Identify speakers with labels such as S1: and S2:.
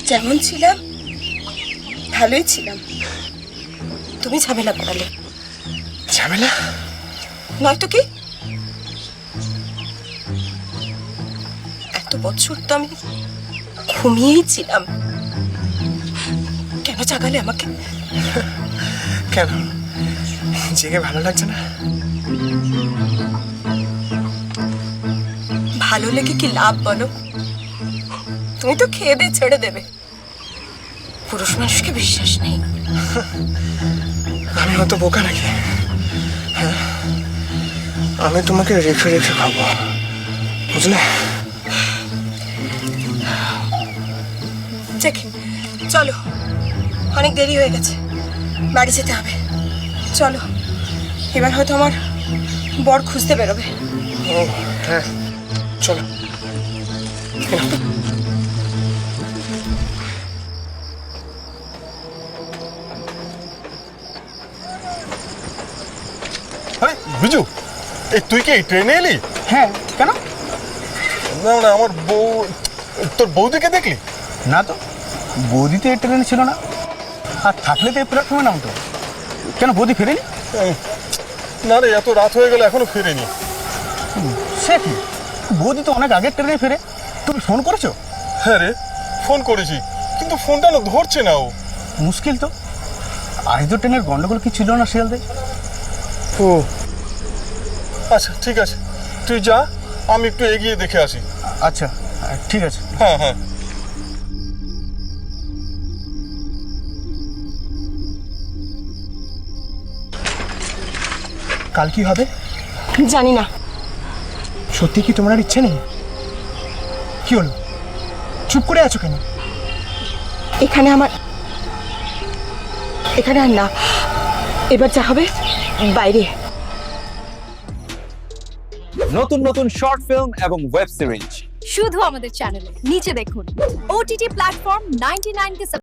S1: যেমন ছিলাম ভালোই ছিলাম, তুমি ঝামেলা করালে।
S2: ঝামেলা?
S1: নয়তো কি? এত বছর তো আমি ঘুমিয়েই ছিলাম, কেন জাগালে আমাকে?
S2: কেন জেগে ভালো লাগছে না?
S1: ভালো লেগে কি লাভ বলো? তুমি তো খেয়ে দিয়ে ছেড়ে দেবে। পুরুষ মানুষকে বিশ্বাস নেই।
S2: আমি হয়তো বোকা নাকি? হ্যাঁ, আমি তোমাকে রেখে রেখে খাবো, বুঝলে?
S1: ঠিক, চলো, অনেক দেরি হয়ে গেছে, বাড়ি যেতে হবে। চলো, এবার হয়তো আমার বর খুঁজতে বেরোবে।
S2: ও হ্যাঁ, চলো।
S3: আরে বিজু, এই তুই কি এই ট্রেনে এলি?
S4: হ্যাঁ, কেন?
S3: না না, আমার বউ, তোর বৌদিকে দেখলি?
S4: না তো, বৌদি তো এই ট্রেনে ছিল না, আর থাকলে তো এই প্ল্যাটফর্মে নামতো। কেন, বৌদি ফেরেনি?
S3: না রে, এত রাত হয়ে গেল এখনো ফেরেনি।
S4: সে কি, বৌদি তো অনেক আগের ট্রেনে ফেরে। তুমি ফোন করেছো?
S3: হ্যাঁ রে, ফোন করেছি, কিন্তু ফোনটা না ধরছে না ও।
S4: মুশকিল তো। আজ তো ট্রেনের গন্ডগোল কি ছিল না শিয়ালদে?
S3: ও আচ্ছা, ঠিক আছে, তুই যা, আমি একটু এগিয়ে দেখে আসি।
S4: আচ্ছা, ঠিক আছে।
S3: হ্যাঁ হ্যাঁ।
S2: কাল কি হবে
S1: জানি না।
S2: সত্যি কি তোমার আর ইচ্ছে নেই? কি হলো, চুপ করে আছো কেন?
S1: এখানে আর না, এবার যা হবে বাইরে।
S5: নতুন নতুন শর্ট ফিল্ম এবং ওয়েব সিরিজ
S6: শুধু আমাদের চ্যানেলে নিচে দেখুন। OTT প্ল্যাটফর্ম 99 কে